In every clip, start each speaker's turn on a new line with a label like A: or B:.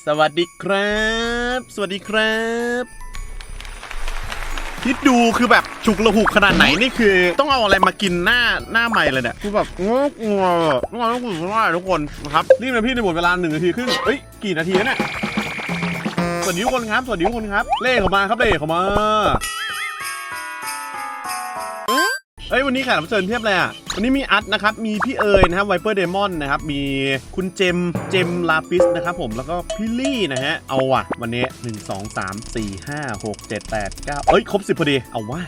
A: สวัสดีครับสวัสดีครับคิดดูคือแบบฉุกละหุกขนาดไหนนี่คือต้องเอาอะไรมากินหน้าใหม่เลยเนี่ยคือแบบงอกงอต้องคุยว่าทุกคนนะครับรีบนะพี่ในหมดเวลา1 นาทีครึ่งเอ้ยกี่นาทีแล้วเนี่ยสวัสดีทุกคนครับสวัสดีทุกคนครับเล่เข้ามาครับเล่เข้ามาเอ้ยวันนี้แขกรับเชิญเทียบเลยอ่ะวันนี้มีอัดนะครับมีพี่เอ๋ยนะครับไวเปอร์เดมอนนะครับมีคุณเจมลาปิสนะครับผมแล้วก็พี่ลี่นะฮะเอาว่ะวันนี้1 2 3 4 5 6 7 8 9เอ้ยครบ10พอดีเอาว่ะ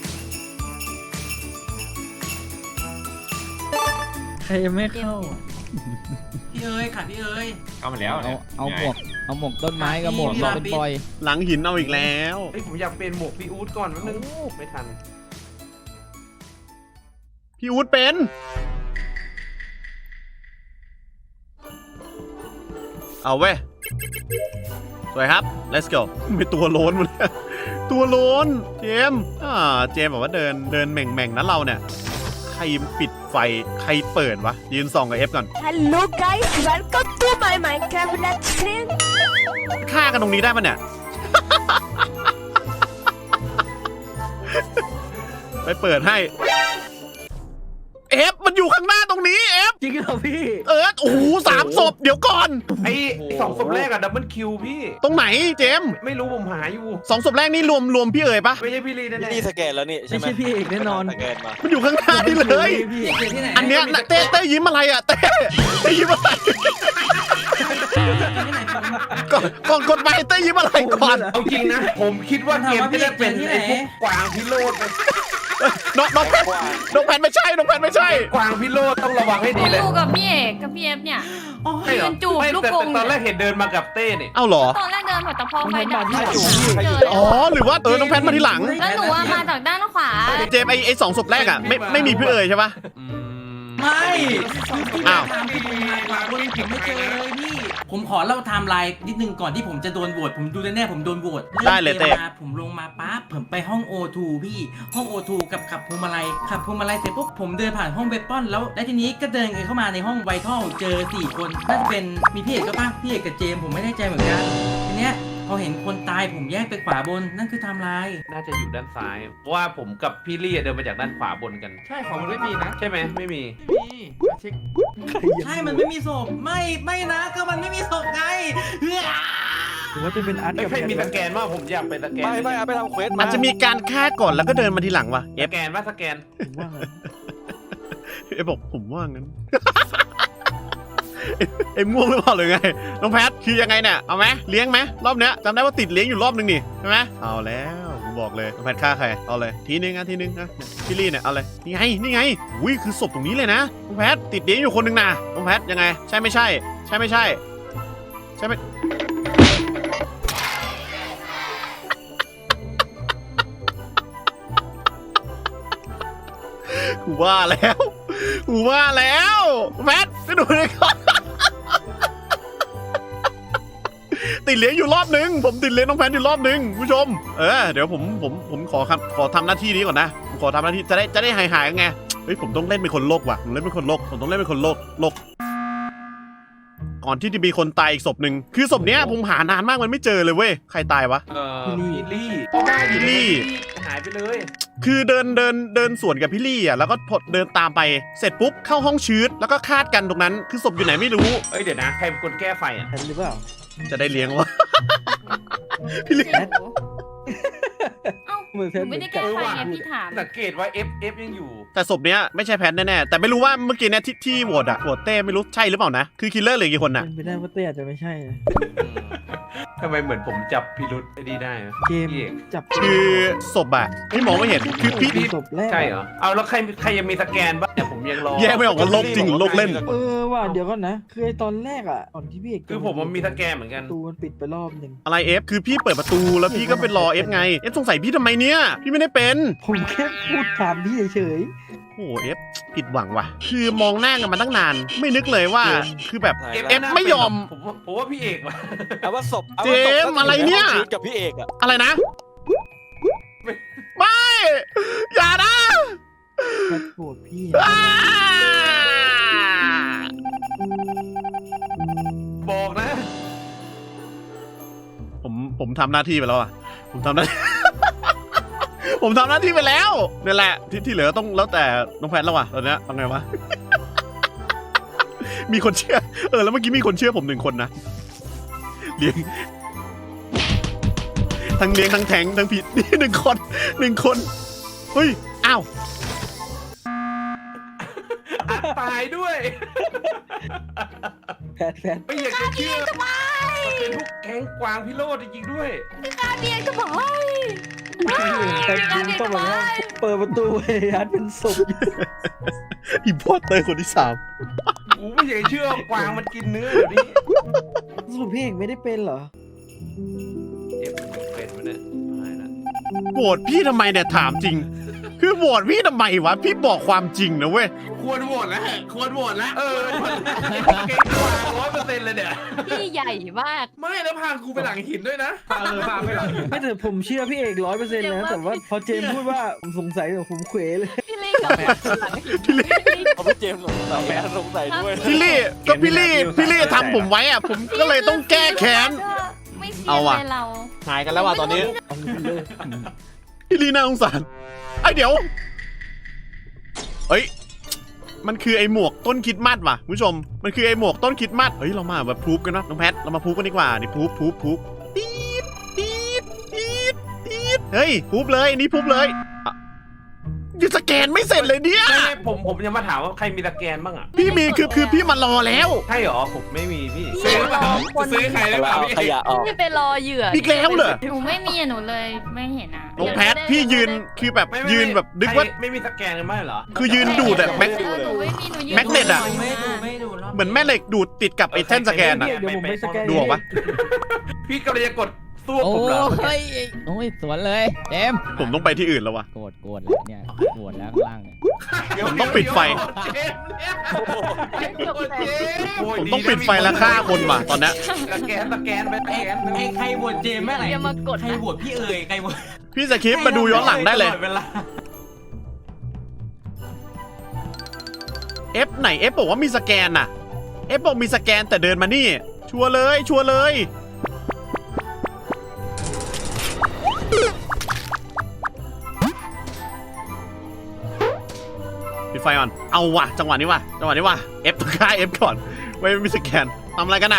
B: ใครยังไม่เข้า
C: พี่เอ๋ยค่ะพี่เอ๋ย
D: เข้ามาแล้ว
B: เอาหมวกต้นไม้กับหมวกเราเป็นปอย
A: หลังหินเอาอีกแล้ว
D: เฮ้ยผมอยากเป็นหมวกพี่อู๊ดก่อนแป๊บนึงไม่ทัน
A: พี่อู๊ดเป็นเอาเว้ยสวยครับ let's go ไม่ตัวโล้นมาเลยตัวโล้นเจมเจมบอกว่าเดินแหม่งนะเราเนี่ยใครปิดไฟใครเปิดวะยืนส่องกับ F ก่อน
E: Hello guys, welcome to my Minecraft Let's Screen.
A: ฆ่ากันตรงนี้ได้ปะเนี่ย ไปเปิดให้F มันอยู่ข้างหน้าตรงนี้ F
B: จริงเหรอพี่
A: โอ้โห3 ศพเดี๋ยวก่อน
D: ไอ้2 ศพแรกอะดับเบิลคิวพี่
A: ตรงไหนเจมส์
D: ไม่รู้ผมหาอยู่
A: 2 ศพแรกนี่รวมพี่เอ๋ยปะ
D: ไม่ใช่พี่ลีแน่
F: นี่สแกนแล้วนี่ใช่
B: ไม่
F: ไหม
B: ใช่พี่เอกแน่นอน
F: สแกนมา
A: มันอยู่ข้างหน้านี่เลย
B: พี่
C: ที่ไหน
A: อันเนี้ยน่ะเต้ยิ้มอะไรอ่ะเต้ยิ้มอะไรก่อนกดไปเต้ยิ้มอะไรก่อน
D: ๆเอาจริงนะผมคิดว่าเกมจะได้เป็นไอ้พวกกวางพิโรธ
A: น้องแพนไม่ใช่น้องแพนไม่ใช่
D: กวางพิโรธต้องระวังให้ดีเลย
G: อยู่กับพี่เอกกับพี่เอฟเนี่ย
D: ใช่เหรอ
G: จูบ
D: ไม่
G: ลูก
D: แต่
G: กรง
D: ตอนแรกเห็นเดินมากับเต้เนี่ย
A: เอ้าเหรอ
G: ตอนแรกเดินผ่านแต่พอไฟดับ
F: ใครอยู่
A: อ๋อหรือว่าน้องแพนมาทีหลัง
G: แล้วหนูอะมาจากด้านขวา
A: เจมส์ไอ้2 ศพแรกอ่ะไม่มีพี่เอ๋ยใช่ปะ
C: ไม่
A: อ้าว
C: ตามที่ผมมาผมไม่เจอเลยพี่ ผมขอเล่าไทม์ไลน์นิดนึงก่อนที่ผมจะโดนโหวตผมดูแน่ๆผมโดนโหวต
A: ได้เลยเต้
C: ริ่มกมมาผมลงมาปั๊บผมไปห้อง O2 พี่ห้อง O2 กับขับพวงมาลัยเสร็จปุ๊บผมเดินผ่านห้องเวปอนแล้วทีนี้ก็เดินเข้ามาในห้องไวทัลเจอ4 คนน่าจะเป็นมีพี่เอกก็ป่ะพี่เอกกับเจมส์ผมไม่แน่ใจเหมือนกันทีเนี้ยพอเห็นคนตายผมแยกไปขวาบนนั่นคือไทม์ไลน์
D: น่าจะอยู่ด้านซ้ายเพราะว่าผมกับพี่ลี่เดินมาจากด้านขวาบนกันใช่ของมันไม่มีนะใช่ไหมไม่มีเช็ค
C: ใช่ มันไม่มีศพ ไม่นะ ก็มันไม่มีศพไง
B: หรือว่าจะเป็นอาร์ต
D: ไอ้
B: กับ
D: ใครมีสแกนว่าผมอยากไปสแกน
F: ไม่เอาไปทำเควส
A: อาจจะมีการฆ่าก่อนแล้วก็เดินมาทีหลังวะ
D: สแกนว่าสแกน
B: ผมว่างั้น
A: เอฟบอกผมว่างั้น เอ็มง่วงหรือเปล่าหรือไงน้องแพทคือยังไงเนี่ยเอาไหมเลี้ยงไหมรอบเนี้ยจำได้ว่าติดเลี้ยงอยู่รอบนึงนี่ใช่ไหมเอาแล้วผมบอกเลยน้องแพทฆ่าใครเอาเลยทีนึงนะพี่ลี่เนี่ยเอาเลยนี่ไงอุ้ยคือศพตรงนี้เลยนะน้องแพทติดเลี้ยงอยู่คนหนึ่งนะน้องแพทยังไงใช่ไม่ใช่ใช่ไม่ใช่ใช่ไหมกูว่าแล้วแพทไปดูเลยก่อนติดเลี้ยงอยู่รอบนึงผมติดเลี้ยงน้องแพทอยู่รอบนึงผู้ชมเดี๋ยวผมขอทำหน้าที่นี้ก่อนนะผมขอทำหน้าที่จะได้หายกันไงเฮ้ยผมต้องเล่นเป็นคนโลกว่ะผมต้องเล่นเป็นคนโลกก่อนที่จะมีคนตายอีกศพหนึ่งคือศพเนี้ยผมหานานมากมันไม่เจอเลยเว้ยใครตายวะ
D: พี่ลี่
A: พี่ลี่
D: หายไปเลย
A: คือเดินสวนกับพี่ลี่อ่ะแล้วก็เดินตามไปเสร็จปุ๊บเข้าห้องชืดแล้วก็คาดกันตรงนั้นคือศพอยู่ไหนไม่รู้
D: เอ้ยเดี๋ยวนะใครเป็นคนแก้ไฟอ่ะ
B: แพทหรือเปล่า
A: จะได้เลี้ยงวะ พี่ลี่
G: เอ้าหนูไม่ได้แก้ไฟไงพี่ถาม
D: สังเกตว่า F ยังอยู่
A: แต่ศพเนี้ยไม่ใช่แพทแน่ๆแต่ไม่รู้ว่าเมื่อกี้เนี่ยที่โหวตเต้ไม่รู้ใช่หรือเปล่านะคือคิลเลอร์เหลือกี่คนน่ะ
B: เป็นไปได้ว่าเต้อาจจะไม่ใช่นะ
D: ทำไมเหมือนผมจับพิรุษไอ้นี่ได้นะ
B: เกม
D: พี่เอก
B: จับ
A: คือศพอะพี่มองไม่เห็นคือพี่
B: ศพแรก
D: ใช่เหรอเอาแล้วใครยังมีสแกนบ้างเนี่ยผมยังรอ
A: แยกไม่ออกว่าโลกจริงหรือโลกเล่น
B: ว่าเดี๋ยวก่อนนะคือไอตอนแรกอ่ะตอนที่พี่เอก
D: คือผมมันมีสแกนเหมือนกัน
B: ประตูมันปิดไปรอบหนึ่ง
A: อะไรเอฟคือพี่เปิดประตูแล้วพี่ก็ไปรอเอฟไงเอฟสงสัยพี่ทำไมเนี่ยพี่ไม่ได้เป็น
B: ผมแค่พูดถามพี่เฉย
A: โอ้เอฟผิดหวังว่ะคือมองหน้ากันมาตั้งนาน ไม่นึกเลยว่าคือแบบ เอฟไม่ยอม
D: ผมว่าพี่เอกว่ะ
F: เอาว่าศพ
A: เจมส์อะไรเนี่ย
F: กับพี่เอกอะ
A: อะไรนะ ไม่อย่านะ
B: ๆแพทโกรธพี่
A: อ้า
D: บอกนะ
A: ผมทำหน้าที่ไปแล้วอ่ะผมทำหน้า ผมทำหน้าที่ไปแล้วนี่แหละที่เหลือต้องแล้วแต่น้องแพทแล้วว่ะตอนเนี้ยทำไงวะ มีคนเชื่อแล้วเมื่อกี้มีคนเชื่อผม1 คนนะเลี้ยงทั้งเลี้ยงทั้งแทงทั้งผิดนี่1 คนเฮ้ยอ้าว
D: อัดตายด้วย
B: แพท
D: ไม่อยากจะเชื่อมันเป็นพวกแก๊งกวางพิโรธจริงๆด้วย
E: เบียงทำไม
B: แต่จริงต้องแบบว่าเปิดประตูไอ้ฮัทเป็นศพอยู่
A: อิมพอร์เตอร์คนที่
D: กูไม่อยากจะเชื่อว่ากวางมันกินเนื้อเดี๋ยวนี้
B: สรุปพี่เอกไม่ได้เป็นเหรอ
D: เจ็บเป็นมันเนี่ยตายละ
A: 3โหวตพี่ทำไมเนี่ยถามจริง คือโหวตพี่ทำไมวะพี่บอกความจริงนะเว้ย
D: ควรโหวตแล้วควรโหวตแล้วเก่งกว่า100%เลยเนี่ย
G: พี่ใหญ่มาก
D: ไม่แล้วพากูไปหลังหินด้วยนะพาไปหลังหิน
B: ไม่แต่ผมเชื่อพี่เอก100%นะแต่ว่าพอเจมส์พูดว่าผมสงสัยแต่ผมเขวเลย
G: พี่ลี่กับหลังหิน
F: เขาพี่เจมส์สงสัยแม่สงสัยด้วย
A: พี่ลี่ก็พี่ลี่ทำผมไว้อะผมก็เลยต้องแก้แค้น
G: ไม่เสีย
A: เอาว่ะ
G: เลยเรา
A: หายกันแล้วว่ะตอนนี้
B: เอาไปเลย
A: พี่ลี่น่าสงสารไอ้เดี๋ยวเฮ้ยมันคือไอ้หมวกต้นคริดมัดว่ะคุณผู้ชมมันคือไอ้หมวกต้นคริดมัดเฮ้ยเรามาแบบพรูฟกันนะน้องแพทเรามาพรูฟกันดีกว่านี่พรูฟปี๊ดเฮ้ยพรูฟเลยนี่พรูฟเลยอ่ะยังสแกนไม่เสร็จเลยเนี่ย
D: ไม่ผมยังมาถามว่าใครมีตะแกรงบ้างอ่ะ
A: พี่มีคือพี่มารอแล้ว
D: ใช่หรอผมไม่มีพี่
G: ซื้อเปล่า
D: ซื้อใครได้เปล่า
F: เอาขยะออก
G: พี่ไปรอเหยื่อ
A: อีกแล้วเหรอ
G: หนูไม่มีอะหนูเลยไม่เห็นอ่ะ
A: น้องแพทพี่ยืนคือแบบยืนแบบนึกว่า
D: ไม่มีตะแกรงกันไม่เหรอ
A: คือยืนดูดอะแม็ก
G: หนูไม่มีหนูยืน
A: แม็กเน็ตอะ
C: ไม่ดูรบ
A: เหมือนแม่เหล็กดูดติดกับไอ้แท่นสแกนอะ
B: เดี๋ยวผมไปสแกน
A: ดูออกปะ
D: พี่กำลังจะกดสู้
H: โอ้
D: ผมเหรอ
H: ยโอ้ยสวนเลยเจมส์
A: ผมต้องไปที่อื่นแล้ววะ
H: โกรธแล้วเนี่ยโกรธแล้วข้างล่างเนี่ย
A: ผมต้องปิดไฟ ผมต้องปิดไฟแล้วฆ่าคนว่ะตอนเนี้ย
D: ตะแกรงไปตะแกรง
C: ไอ้ใครโหวตเจมส์แม่ไหน
G: อย่ามากด
C: ใคร
G: นะ
C: โหวตพี่เอ๋ยใครโหวต
A: พี่สคริปต์มาดูย้อนหลังได้เลย
C: ตอเวลา
A: F ไหน F บอกว่ามีสแกนน่ะ F บอกมีสแกนแต่เดินมานี่ ชัวร์เลยปิดไฟก่อนเอาว่ะจังหวะนี้ว่ะF ต้องฆ่า F ก่อนไม่มีสแกนทำอะไรกันอะ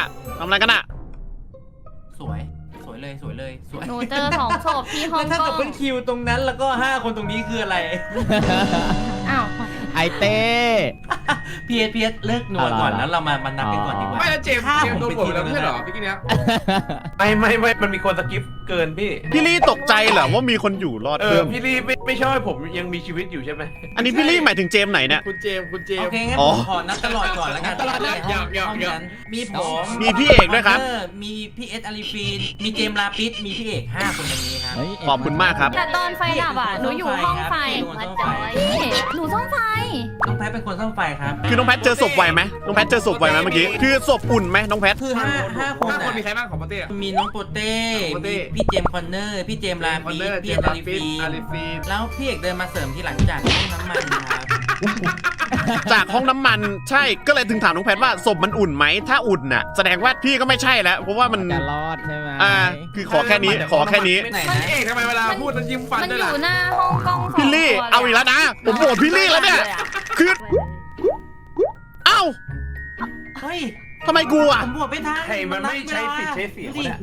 C: สวยเลยสวย
G: หนูเจอ2ศพที่ห้อง
C: แล้วถ้าก
G: ล้
C: เกิ
G: อ
C: ด
G: ง
C: เป็นคิวตรงนั้นแล้วก็5คนตรงนี้คืออะไร
G: อ้าว
H: ไอเต้
C: พีเอสเลิกหนวดก่อนแล้วเรามานับกันก่อนดีกว่า
D: ไม่แล้วเจมส์โดนโหวตแล้วไม่ใช่เหรอพี่กี้เนี้ยไม่มันมีคนสกิปเกินพี่
A: พี่ลี่ตกใจเหรอว่ามีคนอยู่รอดเพิ่ม
D: พี่ลี่ไม่ชอบให้ผมยังมีชีวิตอยู่ใช่ไหม
A: อันนี้พี่ลี่หมายถึงเจมส์ไหนเนี่ย
D: คุณเจมส์
C: โอเคงั้น
A: อ๋
C: ผ
A: อ
C: มขอนับตลอดก่อนแล้วกัน
D: ตลอดนะอย่า
C: ห้องนั้นมีผม
A: มีพี่เอกด้วยครับ
C: มีพี่เอสอาริฟีนมีเจมส์ลาปิสมีพี่เอก5คนตรงนี้ครับ
H: เฮ้ย
A: ขอบคุณมากครับ
G: แต่ตอนไฟดับอ่ะหนูอยู่ห้องไฟมาจอยหนูซ่อมไฟ
C: น้องแพทเป็นคนซ่อมไฟครับ
A: คือน้องแพทเจอศพไวไหมเมื่อกี้คือศพอุ่นไหมน้องแพท
C: คือ5คน
D: คนมีใครบ้างของประเทศ
C: มีน้องโปเต้
D: โปเต้
C: มีพี่เจมส์คอนเนอร์พี่เจมส์ลาปิสพี่เอสอาริฟีน
D: ฟีน
C: แล้วพี่เอกเดินมาเสริมที่หลังจากห้องน้ำมันครับ
A: จากห้องน้ำมันใช่ก็เลยถึงถามน้องแพทว่าศพมันอุ่นไหมถ้าอุ่นน่ะแสดงว่าพี่ก็ไม่ใช่แล้วเพราะว่ามัน
H: จะรอดใช่ไหม
A: คือขอแค่นี้
C: ไหน
D: มัน
C: นะ
D: เอกทำไมเวลาพูดมันยิ้มฟัน
G: มัน
D: ด้วย
G: อ
D: ล่ะ
G: ยู่หน้าห้องกล้อง
A: พี่ลี่เอาอีกแล้วนะผมโหวตพี่ลี่แล้วเนี่ยคือเอ้า
C: เฮ้ย
A: ทำไมกูอ่ะ
C: ผมบวกไม่ทัน
D: ใครมันไม่ใช้สิทธิ์ใช้เสียง
C: ดิ
D: เนี่ย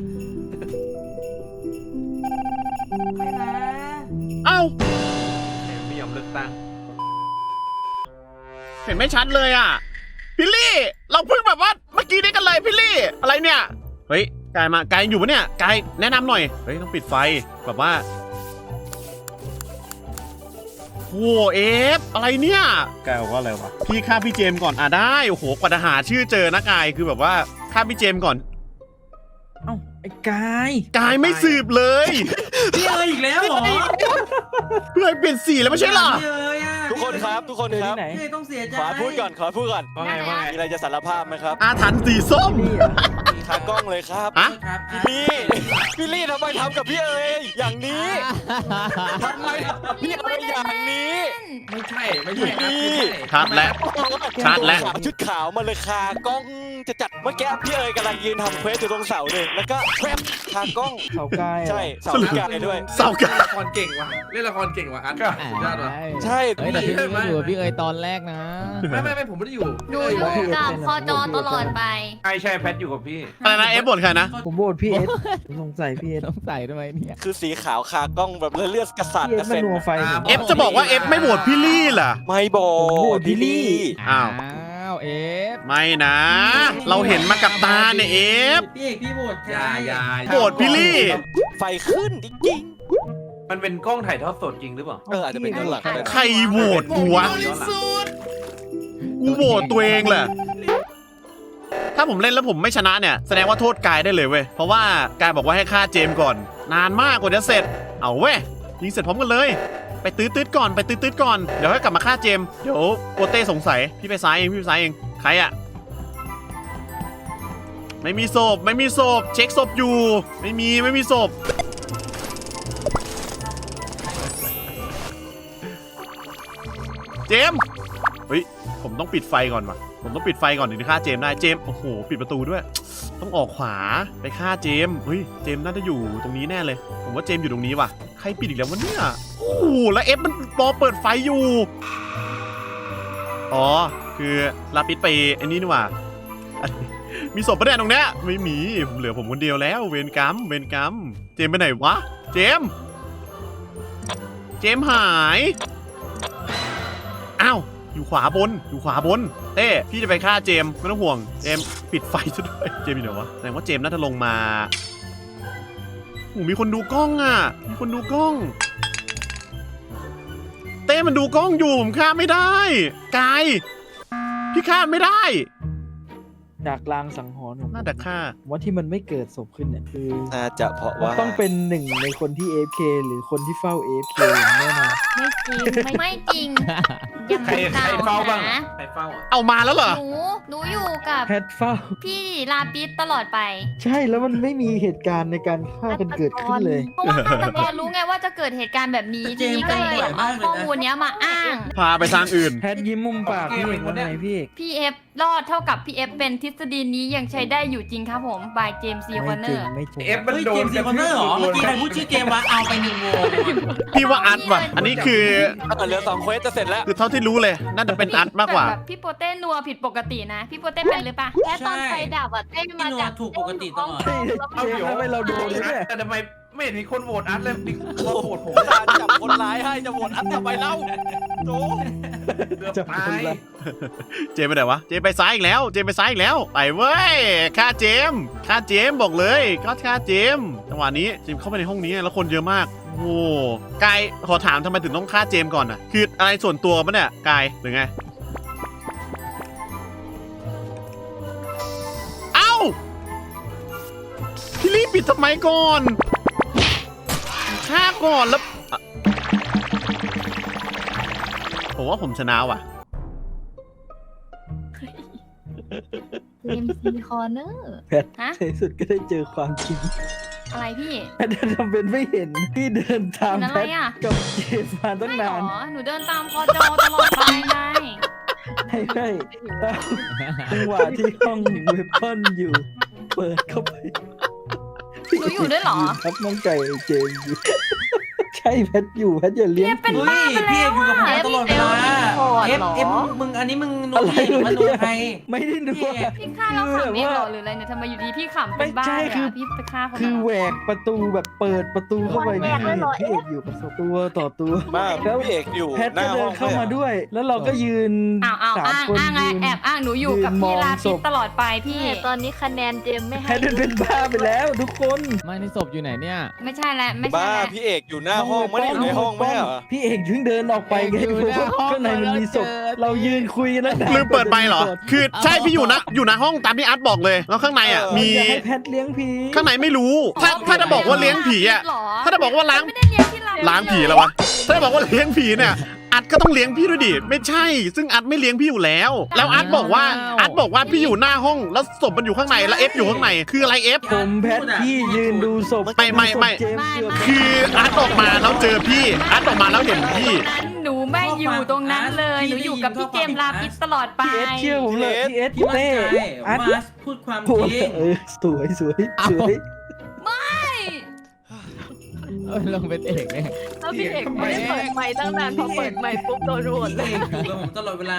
C: ไม่นะ
A: เอ้า
D: ไม่ยอมเลือกตั้ง
A: เห็นไม่ชัดเลยอ่ะพี่ลี่เราเพิ่งแบบว่าเมื่อกี้นี้กันเลยพี่ลี่อะไรเนี่ยเฮ้ยกายอยู่ปะเนี่ยกายแนะนำหน่อยเฮ้ยต้องปิดไฟแบบว่าโอ้เอฟอะไรเนี่ยกายบอกว่าอะไรวะพี่ฆ่าพี่เจมส์ก่อนได้โอ้โหกว่าจะหาชื่อเจอนะกายคือแบบว่าฆ่าพี่เจมส์ก่อน
B: เอ้าไอ้กาย
A: กายไม่สืบเลย
C: พี่เอ๋ยอีกแล้วเหรอ
A: เพื่อให้เปลี่ยนสีแล้วไม่ใช่เหรอ
C: พี่เอ๋ยอ่ะ
F: ทุกคนครับทุกคน
B: เจอ
F: ครั
B: ที่
F: บ
B: ไหน
C: พี่ต้องเสียใจ
F: ขอพูดก่อน
D: ว่าไงว่าไง
F: มีอะไรจะสารภาพไหมครับ
A: อาถรรพ์สีส้ม
B: นี่เหรอ
F: ขากล้องเลยครับ
A: อะ
C: ครับ
F: พี่ลี่ทำไมทำกับพี่เอ๋ยอย่างนี้ทำไมพี่เอ๋ยอย่างนี้
D: ไม่ใช่ครับไม่ใช่
A: ชัดแล้ว ชัดแล้ว
F: ชุดขาวมาเลยคากล้องจะจัดเมื่อกี้พี่เอ๋ยกำลังยืนทำเควสอยู่ตรงเสาเลยแล้วก็แวบคากล้อง
B: เขาใกล้
F: ใช่เสาพิการด้วย
A: เศร้ากัน
D: ละครเก่งว่ะเล่นละครเก่งว่ะอันสุดยอดว่ะ
F: ใช่
H: เฮ้ยแต่พี่ก็อยู่กับพี่เอ๋ยตอนแรกนะ
D: ไม่ผมไม่ได้อยู่
G: ดูอยู่กับคอจอตลอดไป
D: ใช่แพทอยู่กับพี่
A: อะไรนะเอฟบ่นใครนะ
B: ผมโหวตพี่เอสผมสงสัยพี่เอส
H: ต้องใส่ทำไมเนี่ย
F: คือสีขาวคากล้องแบบเลือดกระสาด
B: พี่เอก
F: ระ
B: สมา
F: เซ็น
B: นัวไฟผม
A: เอฟจะบอกว่าเอฟไม่โหวตพี่ลี่ล่ะ
F: ไม่บอก
B: ผมโหวตพี่ลี่
A: อ้าว
H: เอฟ
A: ไม่นะ เราเห็นมากับตาเนี่ยเอฟ
C: พี่เอกพี่โหวตใคร
D: อย่า
A: โหวตพี่ลี่
F: ไฟขึ้นจริง
D: มันเป็นกล้องถ่ายทอดสดจริงหรือเปล่า
F: อาจจะเป็นด้านหลังก็ได้
A: ใครโหวตกูวะกูโหวตตัวเองแหละ ถ้าผมเล่นแล้วผมไม่ชนะเนี่ยแสดงว่าโทษกายได้เลยเว้ย เพราะว่ากายบอกว่าให้ฆ่าเจมส์ก่อน นานมากกว่าจะเสร็จ เอาเว้ยยิงเสร็จพร้อมกันเลย ไปตื้อๆก่อนไปตื้อๆก่อน เดี๋ยวให้กลับมาฆ่าเจมส์เดี๋ยวโปเต้สงสัย พี่ไปซ้ายเองพี่ไปซ้ายเอง ใครอะไม่มีศพไม่มีศพเช็คศพอยู่ ไม่มีศพ เจมส์เฮ้ยผมต้องปิดไฟก่อนว่ะผมต้องปิดไฟก่อนถึงจะฆ่าเจมส์ได้เจมส์โอ้โหปิดประตูด้วย ต้องออกขวาไปฆ่าเจมส์เฮ้ยเจมส์น่าจะอยู่ตรงนี้แน่เลย ผมว่าเจมส์อยู่ตรงนี้ว่ะใครปิดอีกแล้ววะเนี่ยโอ้โหแล้วเอฟมันรอเปิดไฟอยู่อ๋อคือลาปิดไปไอ้นี่นี่หว่า มีศพประเด็นตรงเนี้ยไม่มีเหลือผมคนเดียวแล้วเวรกรรมเจมส์ไปไหนวะเจมส์หายอ้าวอยู่ขวาบนเต้พี่จะไปฆ่าเจมส์ไม่ต้องห่วงเจมส์ปิดไฟซะด้วยเจมส์อยู่ไหนวะแสดงว่าเจมส์น่าจะลงมาโอ้มีคนดูกล้องอ่ะมีคนดูกล้องเต้มันดูกล้องอยู่ผมฆ่าไม่ได้กายพี่ฆ่าไม่ได้
B: จากลางสังหรณ์ของผม
A: น่าจะฆ่า
B: ผมว่าที่มันไม่เกิดศพขึ้นเนี่ยคือ
F: น่าจะเพราะว่า
B: ต้องเป็นหนึ่งในคนที่ AFK หรือคนที่เฝ้า AFK อย่างแน่นอน
G: ไม่จริงยัง
D: ใคร
G: ไม่
D: เฝ้าบ้าง
G: นะ
D: ใครเฝ้าอ่ะ
A: เอามาแล้วเหรอ
G: หนูอยู่กับ
B: แพทเฝ้า
G: พี่ลาปิสตลอดไป
B: ใช่แล้วมันไม่มีเหตุการณ์ในการฆ่ากันเกิดขึ้นเลย
G: เพราะว่าฆาตกรรู้ไงว่าจะเกิดเหตุการณ์แบบนี้ทีนี้ก็เลยเอาข้อมูลเนี้ยมาอ้าง
A: พาไปทางอื่น
B: แพทยิ้มมุมปากพี่เอกว่าไงพี่เอก
G: พี่เอฟรอดเท่ากับพี่เอฟเป็นทฤษฎีนี้ยังใช้ได้อยู่จริงครับผมบายเจมส์ซีวอนเนอร์
B: ไม่จริง
D: เอฟมัน
C: เฮ้ย
D: โด
C: เจ
D: น
C: มส์ซีคอนเนอร์เหรอเมื่อกี้ใครพูดชื่อเจมส์วะเอาไป1โหวต
A: พี่ว่าอัดว่ะอันนี้คือ
F: เหลือ2เควสจะเสร็จแล้ว
A: คือเท่าที่รู้เลยน่าจะเป็นอัดมากกว่า
G: แบบพี่โปเต้นัวผิดปกตินะ พี่โปเต้เป็นหรือปะ
E: แค่ตอนไฟดับอ่ะเต้
C: พี่
E: มา
C: นัว
E: จาก
C: ถูกปกติตลอด
B: เฮ้ยเจมส์ทำไมเราโดนเนี่ย
D: แต่ทำไมไม่เห็นมีคนโหวตอัดเลยมีคนโหวตผม
F: ตาจับคนร้ายให้จะโหวตอันทำไมเล่าโจ
D: เกือบ
B: จับ
D: ตา
B: คน
D: ย
B: ละ
A: เจมไปไหนวะเจมไปซ้ายอีกแล้วไปเว้ยฆ่าเจมบอกเลยก็ฆ่าเจมจังหวะนี้เจมเข้าไปในห้องนี้แล้วคนเยอะมากโอ้กายขอถามทำไมถึงต้องฆ่าเจมก่อนอ่ะคืออะไรส่วนตัวปะเนี่ยกายหรือไงเอ้าพี่รีบปิดทำไมก่อนฆ่าก่อนแล้วอ่ะผมว่าผมชนะว่ะ
E: เอ็มซีคอร์เนอร์
B: แพท
G: ฮะ
B: ในที่สุดก็ได้เจอความจริง
G: อะไรพี่
B: แพททำเป็นไม่เห็นที่เดินตาม
G: เห็นอะ
B: แพ
G: ไร
B: ท
G: อ่ะ
B: กับเจมส์มาตั้ง
G: ไม่หร
B: นาน
G: อหนูเดินตามคอจอตลอดไปไง
B: ให้จังหวะที่ห้องเวปอนอยู่ เปิดเข้าไป
G: หนูอยู่ด้วยเหรอ
B: ครับน้องไก่เจมส์อยู่ ใช่แพทอยู่แพทอย่าเลี้ยง
G: เป็น
B: ผี
C: เฮ้ยพี่เอกอยู่กับผมตลอดเวลาเอฟมึงอันนี้มึงนัวพี่หรือว่านัวใคร
B: ไม่ได้ดู
C: พี่
G: พี่ฆ่าเราขำเองเหรอหรืออะไรเนี่ยทำไมอยู่ดีพี่ขำเป็นบ้า
B: ไม่ใช่
G: เลย
B: คือ
G: อะพี่ไปฆ่าคน
B: คือ
G: นั้น
B: แหวกประตูแบบเปิดประตูเข้าไปนี่คือเห็นพี่เอกอยู่กับตัวต่อตัว
F: มากพี่เอกอยู่
B: แพท
F: หน้า
B: ก็เดิ
F: ห้อน ง
B: เข้ามาด้วย แล้วเราก็ยืน
G: อ้าว
B: สาม
G: อ้าง
B: คน
G: อ้างไง
B: ยืน
G: แอบอ้างหนูอยู่กับ
B: ยืนม
G: พี่
B: อง
G: ลา
B: ศ
G: ปิด
B: พ
G: ตลอดไปพี่
E: ตอนนี้คะแนนเจมไม่
B: แพ
E: ให้
B: ทเป็นบ้าไปแล้วทุกคน
H: ไม่ในศพอยู่ไหนเนี่ย
G: ไม่ใช่แล้วไม่ใช่
F: บ้า
G: แล้ว
F: พี่เอกอยู่หน้าห้องไม่ได้อยู่ในห้องไม่เหรอ
B: พี่เอกเพิ่งเดินออกไปไง
H: อยู่
B: เพราะ
H: หน้า
B: ว่า
H: ห้อง
B: ข้างในมันมีศพ
H: แล้วเจอ
B: เรายืนคุยกันแล้วนาน
A: ลืมเปิดไปเหรอ คือใช่พี่อยู่นะห้องตามที่อาร์ตบอกเลย แล้วข้างในอ่ะ มี
B: อย่าให้แพทเลี้ยงผี
A: ข้างในไม่รู้ ถ้าจะบอกว่าเลี้ยงผีอ่ะ ถ้าจะบอกว่าล้าง
G: ไม่ได้เลี้ยงที่เรา
A: ล้างผีแล้ววะ ถ้าจะบอกว่าเลี้ยงผีเนี่ยอัดก็ต้องเลี้ยงพี่ด้วยดิไม่ใช่ ซึ่งอัดไม่เลี้ยงพี่อยู่แล้ว แล้วอัดบอกว่าพี่อยู่หน้าห้องแล้วศพมันอยู่ข้างในแล้วเอฟอยู่ข้างในคืออะไรเอฟ
B: ผมแพทพี่ยืนดูศพ
A: ไม่
B: เจมส์อยู่
A: คืออัดออกมาแล้วเจอพี่อัดออกมาแล้วเห็นพี่
G: หนูไม่อยู่ตรงนั้นเลยหนูอยู่กับพี่เจมส์ลาปิสตลอดไป
B: พี่เอสเชื่อผมเลยพี่เอส
C: พี่มั่น
B: เต้
C: ใจ
B: อัด
C: ว่าพูดความ
B: โอ้
C: จริง
B: สวยสวย
H: เอ้า
B: สวย
H: ลงเป็นเอกเนี่ย
E: แล้วพี่เอกไม่ได้เปิดไมค์ตั้งนานพอเปิดไมค์ปุ๊บโดนโหวตเลย
C: พี่เอกอยู่กับผมตลอดเวลา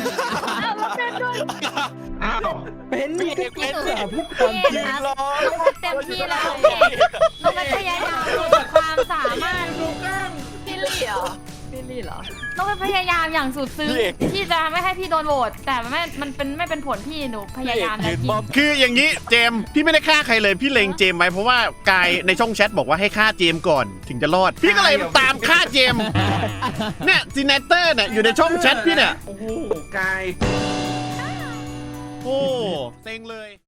B: เป็นนี่ก็
G: พี่หนู
B: สาพูดความจริง
G: น้องเต็มที่แล้วเอกน้องพยายามสุดความสามารถ
E: พี่ลี่เหรอพี่ลี่เหรอ
G: น้องพยายามอย่างสุดซึ้งที่จะไม่ให้พี่โดนโหวตแต่มันไม่เป็นผลพี่หนูพยายามแล้วจริง
A: คืออย่างนี้เจมส์พี่ไม่ได้ฆ่าใครเลยพี่เลงเจมส์ไว้เพราะว่ากายในช่องแชทบอกว่าให้ฆ่าเจมส์ก่อนถึงจะรอด พี่ก็เลยตามฆ่าเจมส์เนี่ยซีเนเตอร์เนี่ยอยู่ในช่องแชทพี่เนี่ย
D: โอ้โหกาย
A: โอ้เซ็งเลย